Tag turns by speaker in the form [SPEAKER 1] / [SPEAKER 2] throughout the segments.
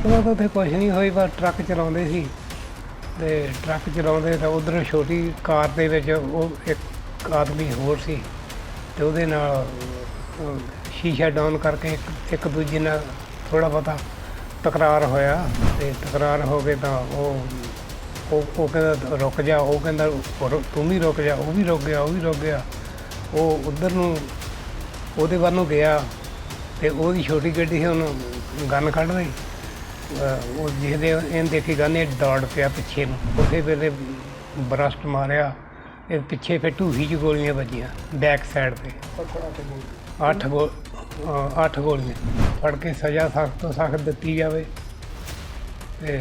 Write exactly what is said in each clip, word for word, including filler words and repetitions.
[SPEAKER 1] ਗੱਲਬਾत ਉੱਥੇ ਕੁਛ ਨਹੀਂ ਹੋਈ, ਬਸ ਟਰੱਕ ਚਲਾਉਂਦੇ ਸੀ ਤੇ ਟਰੱਕ ਚਲਾਉਂਦੇ ਤਾਂ ਉੱਧਰ ਛੋਟੀ ਕਾਰ ਦੇ ਵਿੱਚ ਉਹ ਇੱਕ ਆਦਮੀ ਹੋਰ ਸੀ ਤੇ ਉਹਦੇ ਨਾਲ ਅਹ, ਸ਼ੀਸ਼ਾ ਡਾਊਨ ਕਰਕੇ ਇੱਕ ਇੱਕ ਦੂਜੇ ਨਾਲ ਥੋੜ੍ਹਾ ਬਹੁਤਾ ਤਕਰਾਰ ਹੋਇਆ ਤੇ ਤਕਰਾਰ ਹੋ ਕੇ ਤਾਂ ਉਹ ਉਹ ਉਹ ਕਹਿੰਦਾ ਰੁਕ ਜਾ, ਉਹ ਕਹਿੰਦਾ ਰੁ- ਤੂੰ ਵੀ ਰੁਕ ਜਾ, ਉਹ ਵੀ ਰੁਕ ਗਿਆ ਉਹ ਵੀ ਰੁਕ ਗਿਆ। ਉਹ ਉੱਧਰ ਨੂੰ ਉਹਦੇ ਵੱਲ ਨੂੰ ਗਿਆ ਤੇ ਉਹਦੀ ਛੋਟੀ ਗੱਡੀ ਸੀ, ਉਹਨੂੰ ਗਨ ਕੱਢ ਰਹੀ। ਅਹ ਉਹ ਜਿਹਦੇ ਇਹਨੇ ਦੇਖੀ ਗਨ, ਇਹ ਦੌੜ ਪਿਆ ਪਿੱਛੇ ਨੂੰ, ਉਸੇ ਵੇਲੇ ਬਰਸਟ ਮਾਰਿਆ। ਇਹ ਪਿੱਛੇ ਫਿਰ ਢੂਹੀ 'ਚ ਗੋਲੀਆਂ ਵੱਜੀਆਂ ਬੈਕ ਸਾਈਡ 'ਤੇ ਅੱਠ ਗੋ ਅਹ ਅੱਠ ਗੋਲੀਆਂ। ਫੜ ਕੇ ਸਜ਼ਾ ਸਖਤ ਤੋਂ ਸਖਤ ਦਿੱਤੀ ਜਾਵੇ ਤੇ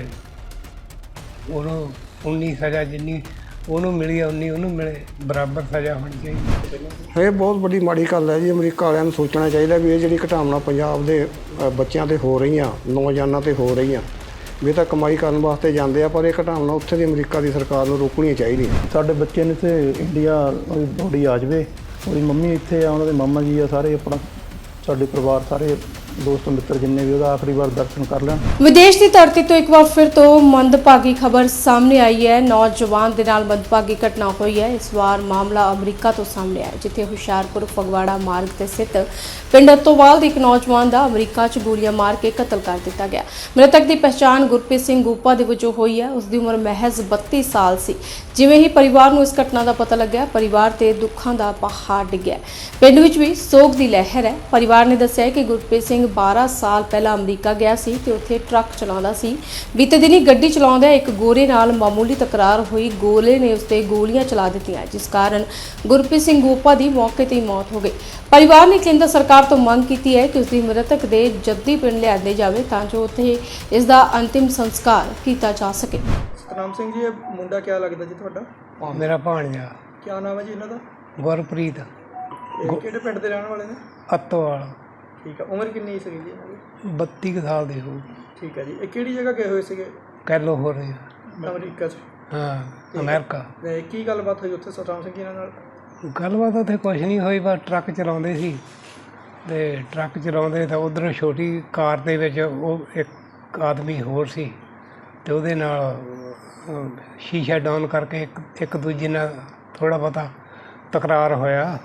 [SPEAKER 1] ਉਹਨੂੰ ਉਨੀ ਸਜ਼ਾ ਜਿੰਨੀ ਉਹਨੂੰ ਮਿਲੀ ਆ ਉਨੀ ਉਹਨੂੰ ਮਿਲੇ, ਬਰਾਬਰ ਸਜ਼ਾ ਹੋਣੀ ਚਾਹੀਦੀ।
[SPEAKER 2] ਇਹ ਬਹੁਤ ਵੱਡੀ ਮਾੜੀ ਗੱਲ ਹੈ ਜੀ। ਅਮਰੀਕਾ ਵਾਲਿਆਂ ਨੂੰ ਸੋਚਣਾ ਚਾਹੀਦਾ ਵੀ ਇਹ ਜਿਹੜੀ ਘਟਨਾਵਾਂ ਪੰਜਾਬ ਦੇ ਅ, ਬੱਚਿਆਂ 'ਤੇ ਹੋ ਰਹੀਆਂ, ਨੌਜਵਾਨਾਂ 'ਤੇ ਹੋ ਰਹੀਆਂ, ਵੀ ਇਹ ਤਾਂ ਕਮਾਈ ਕਰਨ ਵਾਸਤੇ ਜਾਂਦੇ ਆ, ਪਰ ਇਹ ਘਟਨਾਵਾਂ ਉੱਥੇ ਦੀ ਅਮਰੀਕਾ ਦੀ ਸਰਕਾਰ ਨੂੰ ਰੋਕਣੀਆਂ ਚਾਹੀਦੀਆਂ।
[SPEAKER 3] ਸਾਡੇ ਬੱਚੇ ਨੇ ਤੇ ਇੰਡੀਆ ਉਹਦੀ ਬੋਡੀ ਆ ਜਾਵੇ, ਉਹਦੀ ਮੰਮੀ ਇੱਥੇ ਆ, ਉਹਨਾਂ ਦੇ ਮਾਮਾ ਜੀ ਆ, ਸਾਰੇ ਆਪਣਾ ਸਾਡੇ ਪਰਿਵਾਰ ਸਾਰੇ ਦੋਸਤ ਮਿੱਤਰ ਜਿੰਨੇ ਵੀ ਉਹਦਾ ਆਖਰੀ ਵਾਰ ਦਰਸ਼ਨ ਕਰ ਲੈਣ।
[SPEAKER 4] ਵਿਦੇਸ਼ ਦੀ ਧਰਤੀ ਤੋਂ ਇੱਕ ਵਾਰ ਫਿਰ ਤੋਂ ਮੰਦਭਾਗੀ ਖਬਰ ਸਾਹਮਣੇ ਆਈ ਹੈ। ਨੌਜਵਾਨ ਦੇ ਨਾਲ ਮੰਦਭਾਗੀ ਘਟਨਾ ਹੋਈ ਹੈ। ਇਸ ਵਾਰ ਮਾਮਲਾ ਅਮਰੀਕਾ ਤੋਂ ਸਾਹਮਣੇ ਆਇਆ, ਜਿੱਥੇ ਹੁਸ਼ਿਆਰਪੁਰ ਫਗਵਾੜਾ ਮਾਰਗ ਤੇ ਸਥਿਤ ਪਿੰਡ ਅਤੋਵਾਲ ਦੇ ਇੱਕ ਨੌਜਵਾਨ ਦਾ ਅਮਰੀਕਾ 'ਚ ਗੋਲੀਆਂ ਮਾਰ ਕੇ ਕਤਲ ਕਰ ਦਿੱਤਾ ਗਿਆ। ਮ੍ਰਿਤਕ ਦੀ ਪਛਾਣ ਗੁਰਪ੍ਰੀਤ ਸਿੰਘ ਗੂਪਾ ਦੇ ਵਜੋਂ ਹੋਈ ਹੈ। ਉਸ ਦੀ ਉਮਰ ਮਹਿਜ਼ ਬੱਤੀ ਸਾਲ ਸੀ। ਜਿਵੇਂ ਹੀ ਪਰਿਵਾਰ ਨੂੰ ਇਸ ਘਟਨਾ ਦਾ ਪਤਾ ਲੱਗਿਆ, ਪਰਿਵਾਰ ਤੇ ਦੁੱਖਾਂ ਦਾ ਪਹਾੜ ਡਿੱਗਿਆ। ਪਿੰਡ ਵਿੱਚ ਵੀ ਸੋਗ ਦੀ ਲਹਿਰ ਹੈ। ਪਰਿਵਾਰ ਨੇ ਦੱਸਿਆ ਕਿ ਗੁਰਪ੍ਰੀਤ ਸਿੰਘ ਬਾਰਾਂ ਸਾਲ ਪਹਿਲਾਂ ਅਮਰੀਕਾ ਗਿਆ ਸੀ ਤੇ ਉੱਥੇ ਟਰੱਕ ਚਲਾਉਂਦਾ ਸੀ। ਬੀਤੇ ਦਿਨੀ ਗੱਡੀ ਚਲਾਉਂਦਿਆਂ ਇੱਕ ਗੋਰੇ ਨਾਲ ਮਾਮੂਲੀ ਤਕਰਾਰ ਹੋਈ। ਗੋਲੇ ਨੇ ਉਸ ਤੇ ਗੋਲੀਆਂ ਚਲਾ ਦਿੱਤੀਆਂ, ਜਿਸ ਕਾਰਨ ਗੁਰਪ੍ਰੀਤ ਸਿੰਘ ਗੋਪਾ ਦੀ ਮੌਕੇ ਤੇ ਹੀ ਮੌਤ ਹੋ ਗਈ। ਪਰਿਵਾਰ ਨੇ ਕੇਂਦਰ ਸਰਕਾਰ ਤੋਂ ਮੰਗ ਕੀਤੀ ਹੈ ਕਿ ਉਸ ਦੀ ਮ੍ਰਿਤਕ ਦੇ ਜੱਦੀ ਪਿੰਡ ਲਿਆਂਦੇ ਜਾਵੇ ਤਾਂ ਜੋ ਉੱਥੇ ਇਸ ਦਾ ਅੰਤਿਮ ਸੰਸਕਾਰ ਕੀਤਾ ਜਾ ਸਕੇ।
[SPEAKER 5] ਸਤਨਾਮ ਸਿੰਘ ਜੀ, ਇਹ ਮੁੰਡਾ ਕਿਆ ਲੱਗਦਾ ਜੀ ਤੁਹਾਡਾ?
[SPEAKER 1] ਮੇਰਾ ਭਾਣਜਾ
[SPEAKER 5] ਕਿਆ ਨਾਮ ਹੈ ਜੀ ਇਹਨਾਂ ਦਾ?
[SPEAKER 1] ਗੁਰਪ੍ਰੀਤ
[SPEAKER 5] ਇਹ ਕਿਹੜੇ ਪਿੰਡ ਦੇ ਰਹਿਣ ਵਾਲੇ ਨੇ?
[SPEAKER 1] ਅਤੋਵਾਲ,
[SPEAKER 5] ਠੀਕ ਆ। ਉਮਰ ਕਿੰਨੀ ਸੀਗੀ ਜੀ ਇਹਨਾਂ ਦੀ?
[SPEAKER 1] ਬੱਤੀ ਕੁ ਸਾਲ ਦੀ ਹੋਊ।
[SPEAKER 5] ਠੀਕ ਹੈ ਜੀ। ਇਹ ਕਿਹੜੀ ਜਗ੍ਹਾ ਗਏ ਹੋਏ ਸੀਗੇ?
[SPEAKER 1] ਕਹਿ ਲਓ ਹੋ ਰਹੀ
[SPEAKER 5] ਅਮਰੀਕਾ 'ਚ।
[SPEAKER 1] ਹਾਂ, ਅਮਰੀਕਾ।
[SPEAKER 5] ਤੇ ਕੀ ਗੱਲਬਾਤ ਹੋਈ ਉੱਥੇ ਸਤਨਾਮ ਸਿੰਘ ਜੀ ਇਹਨਾਂ ਨਾਲ?
[SPEAKER 1] ਗੱਲਬਾਤ ਉੱਥੇ ਕੁਛ ਨਹੀਂ ਹੋਈ, ਬਸ ਟਰੱਕ ਚਲਾਉਂਦੇ ਸੀ ਤੇ ਟਰੱਕ ਚਲਾਉਂਦੇ ਤਾਂ ਉੱਧਰ ਛੋਟੀ ਕਾਰ ਦੇ ਵਿੱਚ ਉਹ ਇੱਕ ਆਦਮੀ ਹੋਰ ਸੀ ਤੇ ਉਹਦੇ ਨਾਲ ਅਹ, ਸ਼ੀਸ਼ਾ ਡਾਊਨ ਕਰਕੇ ਇੱਕ ਇੱਕ ਦੂਜੇ ਨਾਲ ਥੋੜ੍ਹਾ ਬਹੁਤਾ ਤਕਰਾਰ ਹੋਇਆ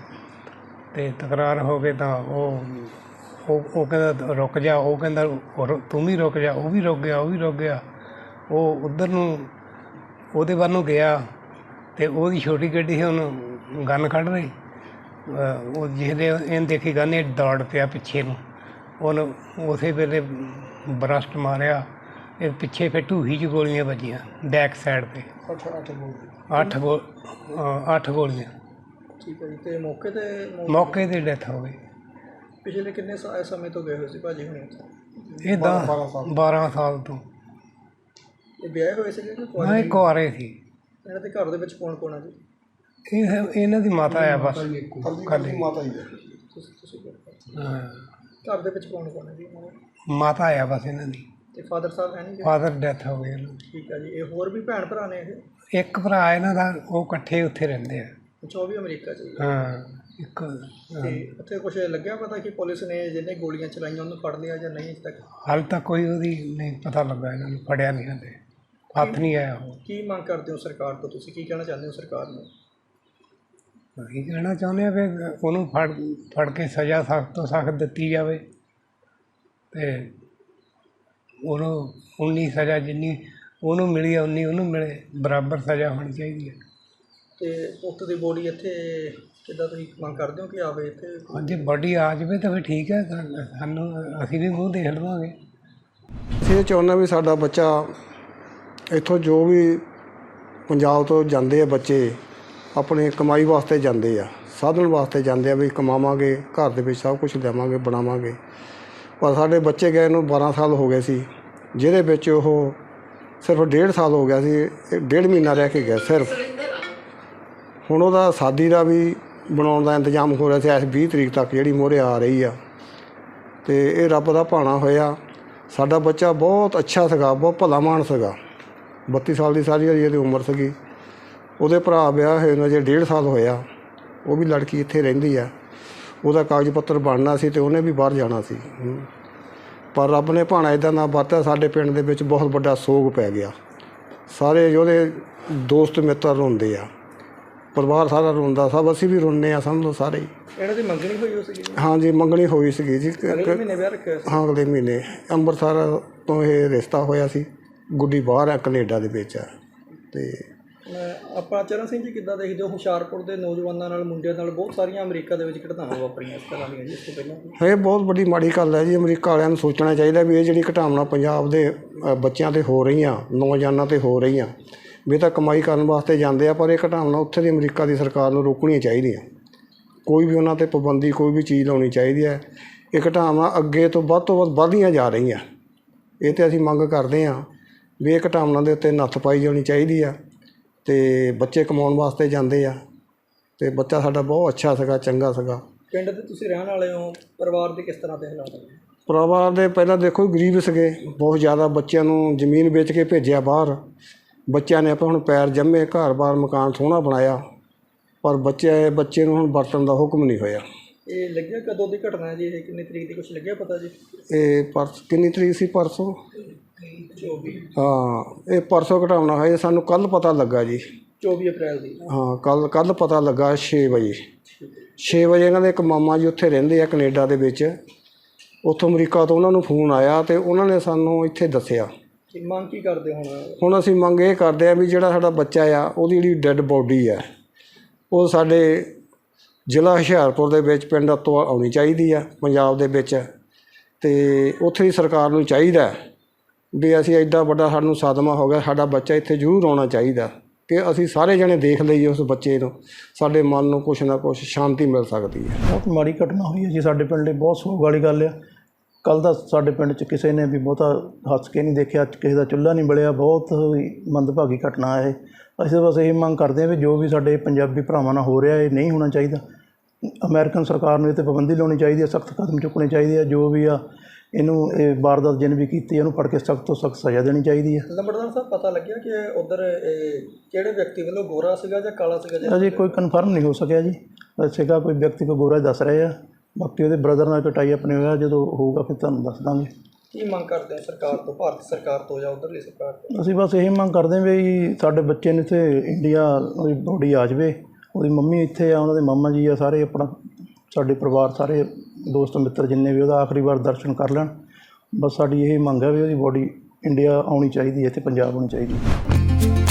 [SPEAKER 1] ਤੇ ਤਕਰਾਰ ਹੋ ਕੇ ਤਾਂ ਉਹ ਉਹ ਉਹ ਕਹਿੰਦਾ ਰੁਕ ਜਾ, ਉਹ ਕਹਿੰਦਾ ਰੁ- ਤੂੰ ਵੀ ਰੁਕ ਜਾ, ਉਹ ਵੀ ਰੁਕ ਗਿਆ ਉਹ ਵੀ ਰੁਕ ਗਿਆ। ਉਹ ਉੱਧਰ ਨੂੰ ਉਹਦੇ ਵੱਲ ਨੂੰ ਗਿਆ ਤੇ ਉਹਦੀ ਛੋਟੀ ਗੱਡੀ ਸੀ, ਉਹਨੂੰ ਗਨ ਕੱਢ ਰਹੀ। ਅਹ ਉਹ ਜਿਹਦੇ ਇਹਨੇ ਦੇਖੀ ਗਨ, ਇਹ ਦੌੜ ਪਿਆ ਪਿੱਛੇ ਨੂੰ, ਉਹਨੂੰ ਉਸੇ ਵੇਲੇ ਬਰਸਟ ਮਾਰਿਆ। ਇਹ ਪਿੱਛੇ ਫਿਰ ਢੂਹੀ 'ਚ ਗੋਲੀਆਂ ਵੱਜੀਆਂ ਬੈਕ ਸਾਈਡ 'ਤੇ
[SPEAKER 5] ਅੱਠ ਅੱਠ ਗੋਲੀ।
[SPEAKER 1] ਅੱਠ ਗੋ ਅਹ ਅੱਠ ਗੋਲੀਆਂ।
[SPEAKER 5] ਠੀਕ ਹੈ ਜੀ। ਤੇ ਮੌਕੇ ਤੇ ਮੌ-
[SPEAKER 1] ਮੌਕੇ 'ਤੇ ਡੈਥ ਹੋ ਗਈ।
[SPEAKER 5] ਪਿਛਲੇ ਕਿੰਨੇ ਸਾ- ਸਮੇਂ ਤੋਂ ਗਏ ਹੋਏ ਸੀ ਭਾਜੀ ਹੁਣੇ ਉੱਥੇ?
[SPEAKER 1] ਇਹ ਦਸ ਬਾਰਾਂ ਸਾਲ ਤੋਂ
[SPEAKER 5] ਇਹ ਵਿਆਹੇ ਹੋਏ ਸੀਗੇ ਕਿ ਕੁਆਰੇ?
[SPEAKER 1] ਹਾਂ, ਇਹ ਕੁਆਰੇ ਸੀ।
[SPEAKER 5] ਇਹਨਾਂ ਦੇ ਘਰ ਦੇ ਵਿੱਚ ਕੌਣ ਕੌਣ ਆ ਜੀ?
[SPEAKER 1] ਇਹ ਇਹਨਾਂ ਦੀ ਮਾਤਾ ਆ ਬਸ ਖਾਲੀ।
[SPEAKER 2] ਮਾਤਾ ਜੀ
[SPEAKER 5] ਤੁਸੀਂ ਤੁਸੀਂ
[SPEAKER 1] ਹਾਂ,
[SPEAKER 5] ਘਰ ਦੇ ਵਿੱਚ ਕੌਣ ਕੌਣ ਹੈ ਜੀ ਇਹਨਾਂ ਦੇ?
[SPEAKER 1] ਮਾਤਾ ਆ ਬਸ ਇਹਨਾਂ ਦੀ।
[SPEAKER 5] ਤੇ ਫਾਦਰ ਸਾਹਿਬ ਹੈ ਨਹੀਂ ਗੇ?
[SPEAKER 1] ਫਾਦਰ ਡੈਥ ਹੋ ਗਈ ਇਹਨਾਂ
[SPEAKER 5] ਠੀਕ ਹੈ ਜੀ। ਇਹ ਹੋਰ ਵੀ ਭੈਣ ਭਰਾ ਨੇ ਇਹ?
[SPEAKER 1] ਦੀ। ਇੱਕ ਭਰਾ ਇਹਨਾਂ ਦਾ, ਉਹ ਇਕੱਠੇ ਉੱਥੇ ਰਹਿੰਦੇ ਆ।
[SPEAKER 5] ਅੱਛਾ, ਉਹ ਵੀ ਅਮਰੀਕਾ 'ਚ ਹੀ ਹੈ।
[SPEAKER 1] ਹਾਂ, ਇੱਕ
[SPEAKER 5] ਤੇ ਉੱਥੇ ਕੁਝ ਲੱਗਿਆ ਪਤਾ ਕਿ ਪੁਲਿਸ ਨੇ ਜਿਹਨੇ ਗੋਲੀਆਂ ਚਲਾਈਆਂ ਉਹਨੂੰ ਫੜ ਲਿਆ ਜਾਂ ਨਹੀਂ ਅਜੇ ਤੱਕ?
[SPEAKER 1] ਹਾਲੇ ਤੱਕ ਕੋਈ ਉਹਦੀ ਨਹੀਂ ਪਤਾ ਲੱਗਾ, ਇਹਨਾਂ ਨੂੰ ਫੜਿਆ ਨਹੀਂ ਹਾਲੇ, ਹੱਥ ਨਹੀਂ ਆਇਆ ਉਹ।
[SPEAKER 5] ਕੀ ਮੰਗ ਕਰਦੇ ਹੋ ਸਰਕਾਰ ਤੋਂ? ਤੁਸੀਂ ਕੀ ਕਹਿਣਾ ਚਾਹੁੰਦੇ ਹੋ ਸਰਕਾਰ ਨੂੰ?
[SPEAKER 1] ਅਸੀਂ ਕਹਿਣਾ ਚਾਹੁੰਦੇ ਹਾਂ ਵੀ ਉਹਨੂੰ ਫੜ ਫੜ ਕੇ ਸਜ਼ਾ ਸਖਤ ਤੋਂ ਸਖਤ ਦਿੱਤੀ ਜਾਵੇ ਤੇ ਉਹਨੂੰ ਉਨੀ ਸਜ਼ਾ ਜਿੰਨੀ ਉਹਨੂੰ ਮਿਲੀ ਆ ਉਨੀ ਉਹਨੂੰ ਮਿਲੇ, ਬਰਾਬਰ ਸਜ਼ਾ ਹੋਣੀ ਚਾਹੀਦੀ ਹੈ।
[SPEAKER 5] ਤੇ ਪੁੱਤ ਦੀ ਬੋਡੀ ਇੱਥੇ ਕਿੱਦਾਂ ਤੁਸੀਂ ਮੰਗ ਕਰਦੇ ਹੋ ਕਿ ਆਵੇ ਇੱਥੇ?
[SPEAKER 1] ਹਾਂ, ਜੇ ਬਾਡੀ ਆ ਜਾਵੇ ਤਾਂ ਫਿਰ ਠੀਕ ਹੈ, ਸਾ- ਸਾਨੂੰ ਅਸੀਂ ਵੀ ਮੂੰਹ ਦੇਖ ਲਵਾਂਗੇ।
[SPEAKER 2] ਅਸੀਂ ਇਹ ਚਾਹੁੰਦੇ ਵੀ ਸਾਡਾ ਬੱਚਾ ਇੱਥੋਂ, ਜੋ ਵੀ ਪੰਜਾਬ ਤੋਂ ਜਾਂਦੇ ਆ ਬੱਚੇ, ਆਪਣੇ ਕਮਾਈ ਵਾਸਤੇ ਜਾਂਦੇ ਆ, ਸਾਧਨ ਵਾਸਤੇ ਜਾਂਦੇ ਆ ਵੀ ਕਮਾਵਾਂਗੇ, ਘਰ ਦੇ ਵਿੱਚ ਸਭ ਕੁਝ ਲਿਆਵਾਂਗੇ, ਬਣਾਵਾਂਗੇ। ਪਰ ਸਾਡੇ ਬੱਚੇ ਗਏ ਨੂੰ ਬਾਰਾਂ ਸਾਲ ਹੋ ਗਏ ਸੀ, ਜਿਹਦੇ ਵਿੱਚ ਉਹ ਸਿਰਫ ਡੇਢ ਸਾਲ ਹੋ ਗਿਆ ਸੀ, ਇਹ ਡੇਢ ਮਹੀਨਾ ਰਹਿ ਕੇ ਗਿਆ ਸਿਰਫ। ਹੁਣ ਉਹਦਾ ਸ਼ਾਦੀ ਦਾ ਵੀ ਬਣਾਉਣ ਦਾ ਇੰਤਜ਼ਾਮ ਹੋ ਰਿਹਾ ਸੀ ਇਸ ਵੀਹ ਤਰੀਕ ਤੱਕ, ਜਿਹੜੀ ਮੋਹਰੇ ਆ ਰਹੀ ਆ। ਅਤੇ ਇਹ ਰੱਬ ਦਾ ਭਾਣਾ ਹੋਇਆ। ਸਾਡਾ ਬੱਚਾ ਬਹੁਤ ਅੱਛਾ ਸੀਗਾ, ਬਹੁਤ ਭਲਾ ਮਾਨ ਸੀਗਾ। ਬੱਤੀ ਸਾਲ ਦੀ ਸਾਰੀ ਇਹਦੀ ਉਮਰ ਸੀਗੀ। ਉਹਦੇ ਭਰਾ ਵਿਆਹ ਹੋਏ ਨੂੰ ਅਜੇ ਡੇਢ ਸਾਲ ਹੋਇਆ। ਉਹ ਵੀ ਲੜਕੀ ਇੱਥੇ ਰਹਿੰਦੀ ਆ। ਉਹਦਾ ਕਾਗਜ਼ ਪੱਤਰ ਬਣਨਾ ਸੀ ਅਤੇ ਉਹਨੇ ਵੀ ਬਾਹਰ ਜਾਣਾ ਸੀ। ਪਰ ਰੱਬ ਨੇ ਭਾਣਾ ਇਦਾਂ ਦਾ ਵਰਤਿਆ, ਸਾਡੇ ਪਿੰਡ ਦੇ ਵਿੱਚ ਬਹੁਤ ਵੱਡਾ ਸੋਗ ਪੈ ਗਿਆ। ਸਾਰੇ ਉਹਦੇ ਦੋਸਤ ਮਿੱਤਰ ਰੋਂਦੇ ਆ, ਪਰਿਵਾਰ ਸਾਰਾ ਰੋਂਦਾ, ਸਭ ਅਸੀਂ ਵੀ ਰੋਂਦੇ ਆ, ਸਮਝ ਲਓ ਸਾਰੇ ਹੀ।
[SPEAKER 5] ਇਹਨਾਂ ਦੀ ਮੰਗਣੀ ਹੋਈ ਹੋ ਸੀਗੀ?
[SPEAKER 2] ਹਾਂਜੀ, ਮੰਗਣੀ ਹੋਈ ਸੀਗੀ ਜੀ।
[SPEAKER 5] ਅਗਲੇ ਮਹੀਨੇ ਵਿਆਹ ਰੱਖਿਆ ਸੀ?
[SPEAKER 2] ਹਾਂ, ਅਗਲੇ ਮਹੀਨੇ ਅੰਮ੍ਰਿਤਸਰ ਤੋਂ ਇਹ ਰਿਸ਼ਤਾ ਹੋਇਆ ਸੀ। ਗੁੱਡੀ ਬਾਹਰ ਆ, ਕੈਨੇਡਾ ਦੇ ਵਿੱਚ ਆ। ਅਤੇ
[SPEAKER 5] ਆਪਾਂ ਚਰਨ ਸਿੰਘ ਜੀ ਕਿੱਦਾਂ ਦੇਖਦੇ ਹੋ ਹੁਸ਼ਿਆਰਪੁਰ ਦੇ ਨੌਜਵਾਨਾਂ ਨਾਲ, ਮੁੰਡਿਆਂ ਨਾਲ ਬਹੁਤ ਸਾਰੀਆਂ ਅਮਰੀਕਾ ਦੇ ਵਿੱਚ ਘਟਨਾਵਾਂ ਵਾਪਰੀਆਂ ਇਸ ਤਰ੍ਹਾਂ ਦੀਆਂ ਜੀ ਇਸ ਤੋਂ ਪਹਿਲਾਂ?
[SPEAKER 2] ਇਹ ਬਹੁਤ ਵੱਡੀ ਮਾੜੀ ਗੱਲ ਹੈ ਜੀ। ਅਮਰੀਕਾ ਵਾਲਿਆਂ ਨੂੰ ਸੋਚਣਾ ਚਾਹੀਦਾ ਵੀ ਇਹ ਜਿਹੜੀ ਘਟਨਾਵਾਂ ਪੰਜਾਬ ਦੇ ਅ, ਬੱਚਿਆਂ 'ਤੇ ਹੋ ਰਹੀਆਂ, ਨੌਜਵਾਨਾਂ 'ਤੇ ਹੋ ਰਹੀਆਂ, ਵੀ ਇਹ ਤਾਂ ਕਮਾਈ ਕਰਨ ਵਾਸਤੇ ਜਾਂਦੇ ਆ, ਪਰ ਇਹ ਘਟਨਾਵਾਂ ਉੱਥੇ ਦੀ ਅਮਰੀਕਾ ਦੀ ਸਰਕਾਰ ਨੂੰ ਰੋਕਣੀਆਂ ਚਾਹੀਦੀਆਂ। ਕੋਈ ਵੀ ਉਹਨਾਂ 'ਤੇ ਪਾਬੰਦੀ, ਕੋਈ ਵੀ ਚੀਜ਼ ਲਾਉਣੀ ਚਾਹੀਦੀ ਹੈ। ਇਹ ਘਟਨਾਵਾਂ ਅੱਗੇ ਤੋਂ ਵੱਧ ਤੋਂ ਵੱਧ ਵੱਧਦੀਆਂ ਜਾ ਰਹੀਆਂ। ਇਹ 'ਤੇ ਅਸੀਂ ਮੰਗ ਕਰਦੇ ਹਾਂ ਵੀ ਇਹ ਘਟਨਾਵਾਂ ਦੇ ਉੱਤੇ ਨੱਥ ਪਾਈ ਜਾਣੀ ਚਾਹੀਦੀ ਆ। ਅਤੇ ਬੱਚੇ ਕਮਾਉਣ ਵਾਸਤੇ ਜਾਂਦੇ ਆ, ਅਤੇ ਬੱਚਾ ਸਾਡਾ ਬਹੁਤ ਅੱਛਾ ਸੀਗਾ, ਚੰਗਾ ਸੀਗਾ।
[SPEAKER 5] ਪਿੰਡ ਦੇ ਤੁਸੀਂ ਰਹਿਣ ਵਾਲੇ ਹੋ, ਪਰਿਵਾਰ ਦੇ ਕਿਸ ਤਰ੍ਹਾਂ ਦੇ ਹਾਲਾਤ ਨੇ?
[SPEAKER 2] ਪਰਿਵਾਰ ਦੇ ਪਹਿਲਾਂ ਦੇਖੋ ਗਰੀਬ ਸੀਗੇ ਬਹੁਤ ਜ਼ਿਆਦਾ। ਬੱਚਿਆਂ ਨੂੰ ਜ਼ਮੀਨ ਵੇਚ ਕੇ ਭੇਜਿਆ ਬਾਹਰ। ਬੱਚਿਆਂ ਨੇ ਆਪਾਂ ਹੁਣ ਪੈਰ ਜੰਮੇ, ਘਰ-ਬਾਰ ਮਕਾਨ ਸੋਹਣਾ ਬਣਾਇਆ, ਪਰ ਬੱਚੇ ਬੱਚੇ ਨੂੰ ਹੁਣ ਵਰਤਣ ਦਾ ਹੁਕਮ ਨਹੀਂ ਹੋਇਆ।
[SPEAKER 5] ਇਹ ਲੱਗਿਆ ਕਦੋਂ ਦੀ ਘਟਨਾ ਹੈ ਜੀ? ਇਹ ਕਿੰਨੀ ਤਰੀਕ ਦੀ ਕੁਛ ਲੱਗਿਆ ਪਤਾ ਜੀ?
[SPEAKER 2] ਇਹ ਪਰਸ ਕਿੰਨੀ ਤਰੀਕ ਸੀ? ਪਰਸੋਂ।
[SPEAKER 5] ਚੌਵੀ।
[SPEAKER 2] ਹਾਂ, ਇਹ ਪਰਸੋਂ ਘਟਾਉਣਾ ਹੋਇਆ, ਸਾਨੂੰ ਕੱਲ੍ਹ ਪਤਾ ਲੱਗਾ ਜੀ।
[SPEAKER 5] ਚੌਵੀ ਅਪ੍ਰੈਲ ਦੀ?
[SPEAKER 2] ਹਾਂ, ਕੱਲ੍ਹ ਕੱਲ੍ਹ ਪਤਾ ਲੱਗਾ ਛੇ ਵਜੇ। ਛੇ ਵਜੇ ਇਹਨਾਂ ਦੇ ਇੱਕ ਮਾਮਾ ਜੀ ਉੱਥੇ ਰਹਿੰਦੇ ਆ ਕੈਨੇਡਾ ਦੇ ਵਿੱਚ, ਉੱਥੋਂ ਅਮਰੀਕਾ ਤੋਂ ਉਹਨਾਂ ਨੂੰ ਫੋਨ ਆਇਆ ਅਤੇ ਉਹਨਾਂ ਨੇ ਸਾਨੂੰ ਇੱਥੇ ਦੱਸਿਆ।
[SPEAKER 5] ਕੀ ਮੰਗ ਕੀ ਕਰਦੇ ਹੁਣ?
[SPEAKER 2] ਹੁਣ ਅਸੀਂ ਮੰਗ ਇਹ ਕਰਦੇ ਹਾਂ ਵੀ ਜਿਹੜਾ ਸਾਡਾ ਬੱਚਾ ਆ, ਉਹਦੀ ਜਿਹੜੀ ਡੈੱਡ ਬੋਡੀ ਆ, ਉਹ ਸਾਡੇ ਜ਼ਿਲ੍ਹਾ ਹੁਸ਼ਿਆਰਪੁਰ ਦੇ ਵਿੱਚ ਪਿੰਡ ਤੋਂ ਆਉਣੀ ਚਾਹੀਦੀ ਆ, ਪੰਜਾਬ ਦੇ ਵਿੱਚ। ਅਤੇ ਉੱਥੇ ਦੀ ਸਰਕਾਰ ਨੂੰ ਚਾਹੀਦਾ ਵੀ ਅਸੀਂ ਐਡਾ ਵੱਡਾ ਸਾਨੂੰ ਸਦਮਾ ਹੋ ਗਿਆ, ਸਾਡਾ ਬੱਚਾ ਇੱਥੇ ਜ਼ਰੂਰ ਆਉਣਾ ਚਾਹੀਦਾ ਕਿ ਅਸੀਂ ਸਾਰੇ ਜਣੇ ਦੇਖ ਲਈਏ ਉਸ ਬੱਚੇ ਨੂੰ, ਸਾਡੇ ਮਨ ਨੂੰ ਕੁਛ ਨਾ ਕੁਛ ਸ਼ਾਂਤੀ ਮਿਲ ਸਕਦੀ ਹੈ।
[SPEAKER 3] ਬਹੁਤ ਮਾੜੀ ਘਟਨਾ ਹੋਈ ਹੈ ਜੀ ਸਾਡੇ ਪਿੰਡ ਲਈ, ਬਹੁਤ ਸੋਗ ਵਾਲੀ ਗੱਲ ਆ। ਕੱਲ੍ਹ ਦਾ ਸਾਡੇ ਪਿੰਡ 'ਚ ਕਿਸੇ ਨੇ ਵੀ ਬਹੁਤਾ ਹੱਸ ਕੇ ਨਹੀਂ ਦੇਖਿਆ, ਕਿਸੇ ਦਾ ਚੁੱਲ੍ਹਾ ਨਹੀਂ ਬਲਿਆ। ਬਹੁਤ ਹੀ ਮੰਦਭਾਗੀ ਘਟਨਾ ਹੈ ਇਹ। ਅਸੀਂ ਬਸ ਇਹ ਮੰਗ ਕਰਦੇ ਹਾਂ ਵੀ ਜੋ ਵੀ ਸਾਡੇ ਪੰਜਾਬੀ ਭਰਾਵਾਂ ਨਾਲ ਹੋ ਰਿਹਾ ਇਹ ਨਹੀਂ ਹੋਣਾ ਚਾਹੀਦਾ। ਅਮਰੀਕਨ ਸਰਕਾਰ ਨੂੰ ਇਹ 'ਤੇ ਪਾਬੰਦੀ ਲਾਉਣੀ ਚਾਹੀਦੀ ਹੈ, ਸਖਤ ਕਦਮ ਚੁੱਕਣੇ ਚਾਹੀਦੇ ਆ। ਜੋ ਵੀ ਆ ਇਹਨੂੰ ਇਹ ਵਾਰਦਾਤ ਜਿਹਨੇ ਵੀ ਕੀਤੀ ਇਹਨੂੰ ਫੜ ਕੇ ਸਖਤ ਤੋਂ ਸਖਤ ਸਜ਼ਾ ਦੇਣੀ ਚਾਹੀਦੀ ਹੈ।
[SPEAKER 5] ਲੰਬੜਦਾਰ ਸਾਹਿਬ, ਪਤਾ ਲੱਗਿਆ ਕਿ ਉੱਧਰ ਕਿਹੜੇ ਵਿਅਕਤੀ ਵੱਲੋਂ ਗੋਰਾ ਸੀਗਾ ਜਾਂ ਕਾਲਾ ਸੀਗਾ?
[SPEAKER 3] ਅਜੇ ਕੋਈ ਕਨਫਰਮ ਨਹੀਂ ਹੋ ਸਕਿਆ ਜੀ। ਸੀਗਾ ਕੋਈ ਵਿਅਕਤੀ ਕੋਈ ਗੋਰਾ ਦੱਸ ਰਹੇ ਆ, ਬਾਕੀ ਉਹਦੇ ਬ੍ਰਦਰ ਨਾਲ ਕਟਾਈ ਆਪਣੇ ਹੋਇਆ, ਜਦੋਂ ਹੋਊਗਾ ਫਿਰ ਤੁਹਾਨੂੰ ਦੱਸ ਦਾਂਗੇ।
[SPEAKER 5] ਕੀ ਮੰਗ ਕਰਦੇ ਹੋ ਸਰਕਾਰ ਤੋਂ, ਭਾਰਤ ਸਰਕਾਰ ਤੋਂ ਜਾਂ ਉੱਧਰਲੀ ਸਰਕਾਰ ਤੋਂ?
[SPEAKER 3] ਅਸੀਂ ਬਸ ਇਹ ਮੰਗ ਕਰਦੇ ਹਾਂ ਵੀ ਸਾਡੇ ਬੱਚੇ ਨੂੰ ਇੱਥੇ ਇੰਡੀਆ ਉਹਦੀ ਬੋਡੀ ਆ ਜਾਵੇ, ਉਹਦੀ ਮੰਮੀ ਇੱਥੇ ਆ, ਉਹਨਾਂ ਦੇ ਮਾਮਾ ਜੀ ਆ, ਸਾਰੇ ਆਪਣਾ ਸਾਡੇ ਪਰਿਵਾਰ ਸਾਰੇ ਦੋਸਤ ਮਿੱਤਰ ਜਿੰਨੇ ਵੀ ਉਹਦਾ ਆਖਰੀ ਵਾਰ ਦਰਸ਼ਨ ਕਰ ਲੈਣ। ਬਸ ਸਾਡੀ ਇਹ ਮੰਗ ਹੈ ਵੀ ਉਹਦੀ ਬੋਡੀ ਇੰਡੀਆ ਆਉਣੀ ਚਾਹੀਦੀ ਹੈ, ਇੱਥੇ ਪੰਜਾਬ ਆਉਣੀ ਚਾਹੀਦੀ ਹੈ।